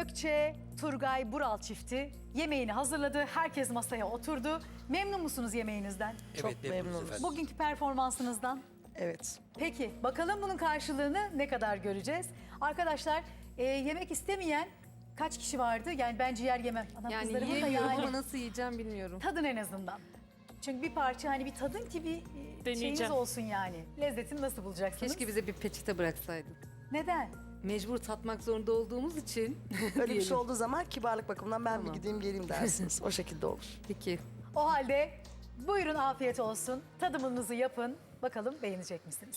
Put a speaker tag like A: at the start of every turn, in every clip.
A: Gökçe, Turgay, Bural çifti yemeğini hazırladı. Herkes masaya oturdu. Memnun musunuz yemeğinizden?
B: Çok memnunuz.
C: efendim.
A: Bugünkü performansınızdan?
B: Evet.
A: Peki bakalım bunun karşılığını ne kadar göreceğiz? Arkadaşlar yemek istemeyen kaç kişi vardı? Yani ben ciğer yemem. Ana
D: Yani
A: kızlarımın da
D: yiyemiyorum
A: yani
D: ama nasıl yiyeceğim bilmiyorum.
A: tadın en azından. Çünkü bir parça hani bir tadın ki bir şeyiniz
C: Deneyeceğim.
A: olsun yani. Lezzetini nasıl bulacaksınız?
D: Keşke bize bir peçete bıraksaydın.
A: Neden?
D: Mecbur tatmak zorunda olduğumuz için.
B: Öyle bir şey
D: diyelim.
B: olduğu zaman kibarlık bakımından ben
D: Tamam.
B: bir gideyim geleyim dersiniz. O şekilde olur.
D: Peki.
A: O halde buyurun afiyet olsun. Tadımınızı yapın. Bakalım beğenecek misiniz?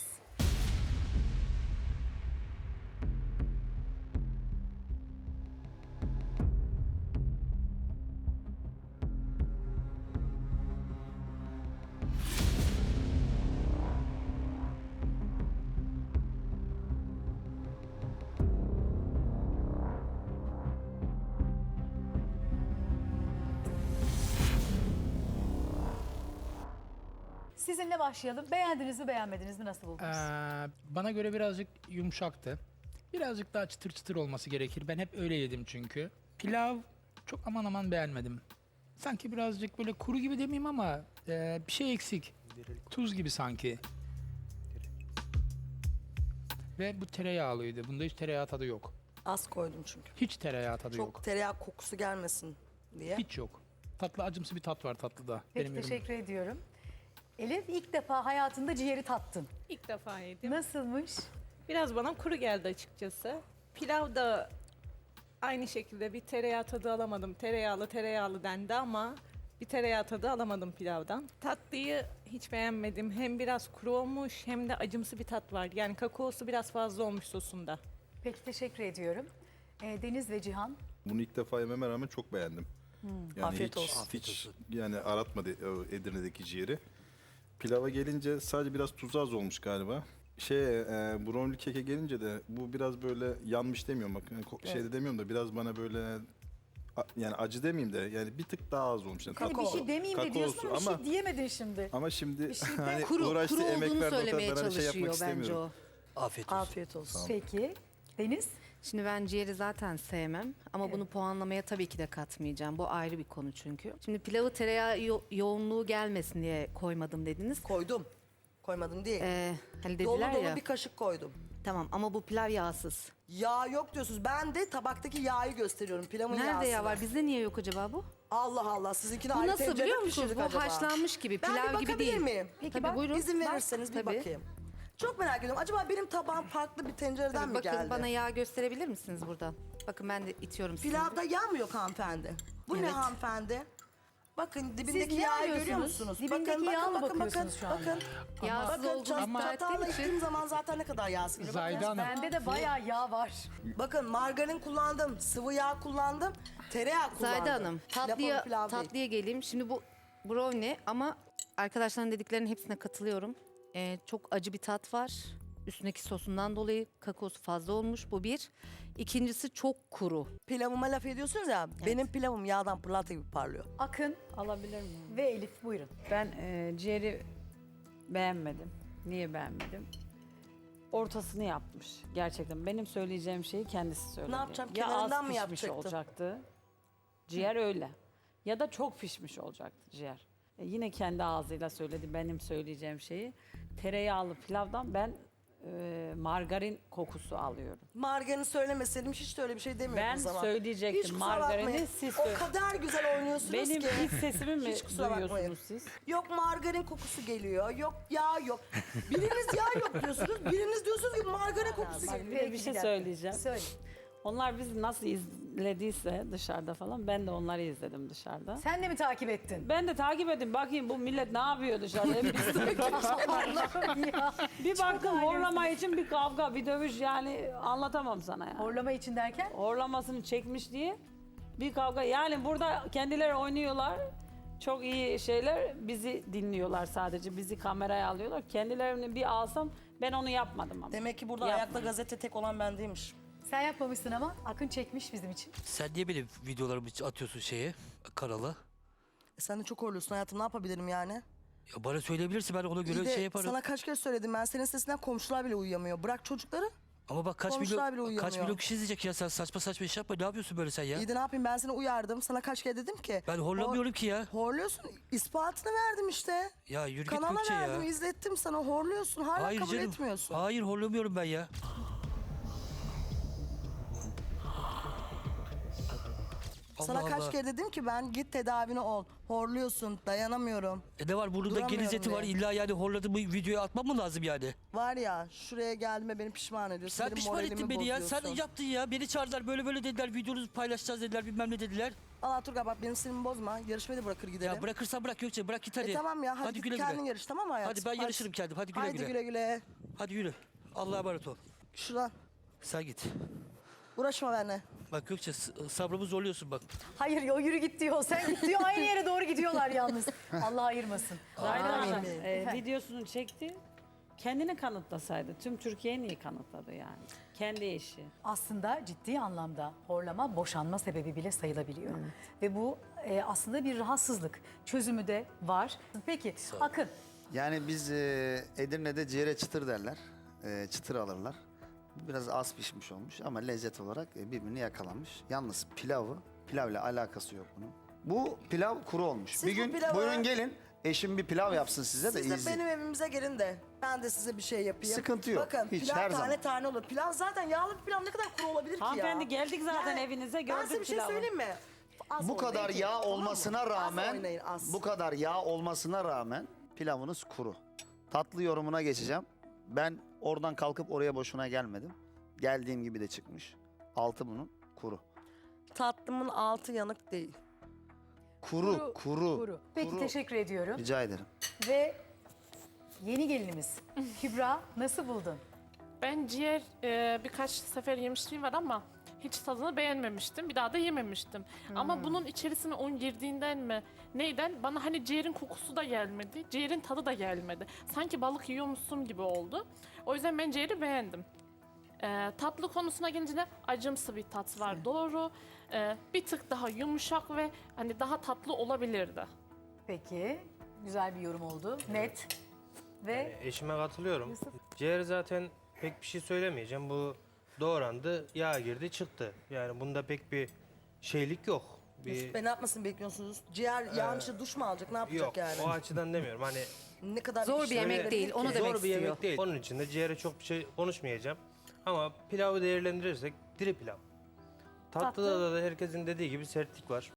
A: Sizinle başlayalım. Beğendiniz mi beğenmediniz mi nasıl buldunuz?
C: Bana göre birazcık yumuşaktı. Birazcık daha çıtır çıtır olması gerekir. Ben hep öyle yedim çünkü. Pilav çok aman aman beğenmedim. Sanki birazcık böyle kuru gibi demeyeyim ama bir şey eksik. Tuz gibi sanki. Ve bu tereyağlıydı. Bunda hiç tereyağı tadı yok.
B: Az koydum çünkü.
C: Hiç tereyağı tadı
B: Çok
C: yok.
B: tereyağı kokusu gelmesin diye.
C: Hiç yok. Tatlı acımsı bir tat var tatlıda.
A: Peki
C: Benim yorumum.
A: teşekkür ediyorum. Elif ilk defa hayatında ciğeri tattın.
E: İlk defa yedim.
A: Nasılmış?
E: Biraz bana kuru geldi açıkçası. Pilav da aynı şekilde bir tereyağı tadı alamadım. Tereyağlı dendi ama bir tereyağı tadı alamadım pilavdan. Tatlıyı hiç beğenmedim. Hem biraz kuru olmuş hem de acımsı bir tat var. Yani kakaosu biraz fazla olmuş sosunda.
A: Peki teşekkür ediyorum. Deniz ve Cihan.
F: Bunu ilk defa yememe rağmen çok beğendim. Yani
B: Afiyet
F: hiç,
B: olsun.
F: Hiç yani aratmadı o Edirne'deki ciğeri. Pilava gelince sadece biraz tuzu az olmuş galiba. Brownie keke gelince de bu biraz böyle yanmış demiyorum bak şeyde demiyorum da biraz bana böyle yani acı demeyeyim de yani bir tık daha az olmuş. Yani
A: Hani bir şey demeyeyim de diyorsun
F: kakaosu
A: ama bir şey diyemedin şimdi.
F: ama şimdi
A: şey de
F: hani
D: Kuru
F: uğraştı emek
D: olduğunu
F: verdi o
D: söylemeye
F: kadar hani şey yapmak
D: çalışıyor bence
F: istemiyorum.
D: o.
C: Afiyet olsun.
B: Afiyet olsun.
A: Peki Deniz?
D: Şimdi ben ciğeri zaten sevmem ama bunu puanlamaya tabii ki de katmayacağım. Bu ayrı bir konu çünkü. Şimdi pilavı tereyağı yoğunluğu gelmesin diye koymadım dediniz.
B: Koydum. Koymadım değil.
D: Hani
B: Dolu
D: dediler
B: dolu
D: ya.
B: bir kaşık koydum.
D: Tamam ama bu pilav yağsız.
B: Yağ yok diyorsunuz. Ben de tabaktaki yağı gösteriyorum. Pilavın
D: Nerede
B: yağsını.
D: yağ var? Bizde niye yok acaba bu?
B: Allah Allah. Sizinkini
D: Bu
B: ayrı
D: nasıl
B: tencerede
D: biliyor
B: mi
D: musunuz?
B: pişirdik
D: Bu
B: acaba?
D: haşlanmış gibi,
B: Ben
D: pilav
B: bir
D: gibi
B: bakabilir
D: değil.
B: miyim?
D: Peki
B: Tabii,
D: bak, buyurun.
B: İzin
D: Bak,
B: verirseniz bir
D: tabii.
B: bakayım. Çok merak ediyorum. Acaba benim tabağım farklı bir tencereden
D: Tabii,
B: mi
D: bakın
B: geldi?
D: bana yağ gösterebilir misiniz burada? Bakın ben de itiyorum sizi.
B: Pilavda yağ mı yok hanımefendi? Bu ne
D: Evet.
B: hanımefendi? Bakın
A: Siz
B: dibindeki
A: ne
B: yağı
A: arıyorsunuz?
B: görüyor musunuz?
A: Dibindeki yağa mı bakıyorsunuz şu anda?
B: Bakın.
D: Yağsız
B: Bakın
D: olduğunu
C: Ama-
D: iddia
B: çatalla
D: ettiğim için.
B: ittiğim zaman zaten ne kadar yağsız geliyor.
C: Zahide
B: Bakın.
C: Hanım.
A: Bende de bayağı yağ var.
B: Bakın margarin kullandım, sıvı yağ kullandım, tereyağı kullandım.
D: Zahide Hanım,
B: Lafım pilav değil.
D: tatlıya geleyim. Şimdi bu brownie ama arkadaşların dediklerinin hepsine katılıyorum. Çok acı bir tat var. Üstündeki sosundan dolayı kakaosu fazla olmuş. Bu bir. İkincisi çok kuru.
B: Pilavıma laf ediyorsunuz ya, benim pilavım yağdan pırlanta gibi parlıyor.
A: Akın
G: Alabilir miyim?
A: ve Elif buyurun.
G: Ben ciğeri beğenmedim. Niye beğenmedim? Ortasını yapmış gerçekten. Benim söyleyeceğim şeyi kendisi söyledi.
B: Ne yapacağım?
G: Ya
B: Kenarından
G: az
B: mı
G: pişmiş
B: yapacaktı?
G: olacaktı. Ciğer öyle. Ya da çok pişmiş olacaktı ciğer. Yine kendi ağzıyla söyledi benim söyleyeceğim şeyi. Tereyağlı pilavdan ben margarin kokusu alıyorum.
B: Margarini söylemeseydim hiç de öyle bir şey demiyordum
G: Ben
B: o zaman.
G: söyleyecektim,
B: Hiç kusura
G: margarini
B: bakmayın.
G: siz
B: O
G: söyle-
B: kadar güzel oynuyorsunuz
G: Benim
B: ki.
G: iç sesimi mi
B: Hiç kusura bakmayın.
G: duyuyorsunuz siz?
B: Yok margarin kokusu geliyor, yok yağ yok. Biriniz yağ yok diyorsunuz, biriniz diyorsunuz ki margarin kokusu
G: Bak
B: geliyor.
G: bir de bir şey
A: dakika.
G: söyleyeceğim.
A: Söyle.
G: Onlar bizi nasıl izlediyse dışarıda falan ben de onları izledim dışarıda.
A: Sen de mi takip ettin?
G: Ben de takip edin bakayım bu millet ne yapıyor dışarıda. Hep biz
A: Allah'ım ya.
G: bir baktım
A: alemsin.
G: horlama için bir kavga bir dövüş yani anlatamam sana yani.
A: Horlama için derken?
G: Horlamasını çekmiş diye bir kavga. Yani burada kendileri oynuyorlar. Çok iyi şeyler bizi dinliyorlar sadece. Bizi kameraya alıyorlar. Kendilerini bir alsam ben onu yapmadım ama.
B: Demek ki burada
G: Yapma.
B: ayakta gazete tek olan ben değilmiş.
A: Sen yapmamışsın ama Akın çekmiş bizim için.
C: Sen niye benim videolarımı atıyorsun kanala?
B: Sen de çok horluyorsun hayatım, ne yapabilirim yani?
C: Ya bana söyleyebilirsin ben ona
B: İyi de sana kaç kere söyledim, ben senin sesinden komşular bile uyuyamıyor. Bırak çocukları,
H: Ama bak
B: Komşular bile
H: kaç
B: uyuyamıyor.
H: milyon kişi izleyecek ya, sen saçma saçma iş yapma, ne yapıyorsun böyle sen ya?
B: İyi de ne yapayım, ben seni uyardım. Sana kaç kere dedim ki.
H: Ben horlamıyorum ki ya.
B: Horluyorsun. İspatını verdim işte.
H: Ya yürü git
B: Kanala
H: Gökçe
B: verdim,
H: ya.
B: izlettim sana. Horluyorsun. Hala
H: Hayır
B: kabul
H: canım.
B: etmiyorsun.
H: Hayır horlamıyorum ben ya.
B: Sana
H: Allah
B: kaç
H: Allah.
B: kere dedim ki ben git tedavine ol. Horluyorsun. Dayanamıyorum.
H: Ne var burnunda
B: Duramıyorum
H: genizeti var,
B: diye.
H: illa yani horladığımı videoya atmam mı lazım yani?
B: Var ya, şuraya geldiğime beni pişman ediyorsun.
H: Sen
B: Benim
H: pişman
B: moralimi
H: ettin beni ya. Sen
B: bozuyorsun.
H: yaptın ya. Beni çağırdılar, böyle böyle dediler. Videonuzu paylaşacağız dediler, bilmem ne dediler.
B: Allah Turgay bak, benim sinirimi bozma. Yarışmayı da bırakır gidelim.
H: Ya bırakırsan bırak Gökçe, bırak git hadi.
B: Tamam ya, hadi, git
H: güle
B: kendin
H: güle.
B: yarış, tamam mı hayatım?
H: Hadi ben yarışırım kendim. Hadi güle
B: Haydi
H: güle.
B: güle güle.
H: Hadi yürü. Allah'a emanet ol.
B: Şuradan.
H: Sen git.
B: Uğraşma benimle.
H: Bak Gökçe sabrımı zorluyorsun bak.
A: Hayır o yürü git diyor, sen git diyor. Aynı yere doğru gidiyorlar yalnız. Allah ayırmasın.
G: Zahide Hanım
B: Amin.
G: videosunu çekti. Kendini kanıtlasaydı. Tüm Türkiye'yi niye kanıtladı yani? Kendi eşi.
A: Aslında ciddi anlamda horlama boşanma sebebi bile sayılabiliyor. Ve bu aslında bir rahatsızlık. Çözümü de var. Peki Akın,
I: Yani biz Edirne'de ciğere çıtır derler. Çıtır alırlar. Biraz az pişmiş olmuş ama lezzet olarak birbirini yakalamış. Yalnız pilavla alakası yok bunun. Bu pilav kuru olmuş.
B: Siz
I: bir
B: bu
I: gün
B: pilavı-
I: buyurun gelin, eşim bir pilav yapsın size de
B: Siz de
I: izleyin.
B: benim evimize gelin de ben de size bir şey yapayım.
I: Sıkıntı yok.
B: Bakın
I: Hiç,
B: pilav
I: her
B: tane
I: zaman.
B: tane olur. Pilav zaten yağlı bir pilav ne kadar kuru olabilir ki ya?
G: Hanımefendi geldik zaten evinize,
B: Ben
G: gördük
B: size bir şey
G: pilavı.
B: söyleyeyim mi? Az
I: Bu kadar
B: oynayın,
I: yağ
B: tamam mı?
I: olmasına
B: Az
I: rağmen
B: oynayın, az.
I: bu kadar yağ olmasına rağmen pilavınız kuru. Tatlı yorumuna geçeceğim. Ben oradan kalkıp oraya boşuna gelmedim. Geldiğim gibi de çıkmış. Altı bunun kuru.
B: Tatlımın altı yanık değil.
I: Kuru.
A: kuru. Peki
I: Kuru.
A: teşekkür ediyorum.
I: Rica ederim.
A: Ve yeni gelinimiz Kübra, nasıl buldun?
J: Ben ciğer birkaç sefer yemişliğim var ama hiç tadını beğenmemiştim. Bir daha da yememiştim. Ama bunun içerisine un girdiğinden mi neyden bana hani ciğerin kokusu da gelmedi. Ciğerin tadı da gelmedi. Sanki balık yiyormuşsun gibi oldu. O yüzden ben ciğeri beğendim. Tatlı konusuna gelince de acımsı bir tat var, doğru. Bir tık daha yumuşak ve hani daha tatlı olabilirdi.
A: Peki, güzel bir yorum oldu. Net. Ve
K: Eşime katılıyorum.
A: Yusuf?
K: Ciğer zaten pek bir şey söylemeyeceğim. Bu doğrandı, yağ girdi, çıktı. Yani bunda pek bir şeylik yok.
B: Yusuf Bey ne yapmasını bekliyorsunuz? Ciğer yağın içinde duş mu alacak? Ne yapacak
K: Yok,
B: yani?
K: o açıdan demiyorum. Hani
B: Ne kadar
D: Zor bir
B: işlem
D: yemek
B: verebilir
D: değil,
B: ki?
D: onu demek
K: zor bir yemek
D: istiyor.
K: değil. Onun için de ciğere çok bir şey konuşmayacağım. Ama pilavı değerlendirirsek diri pilav. Tatlıda da herkesin dediği gibi sertlik var.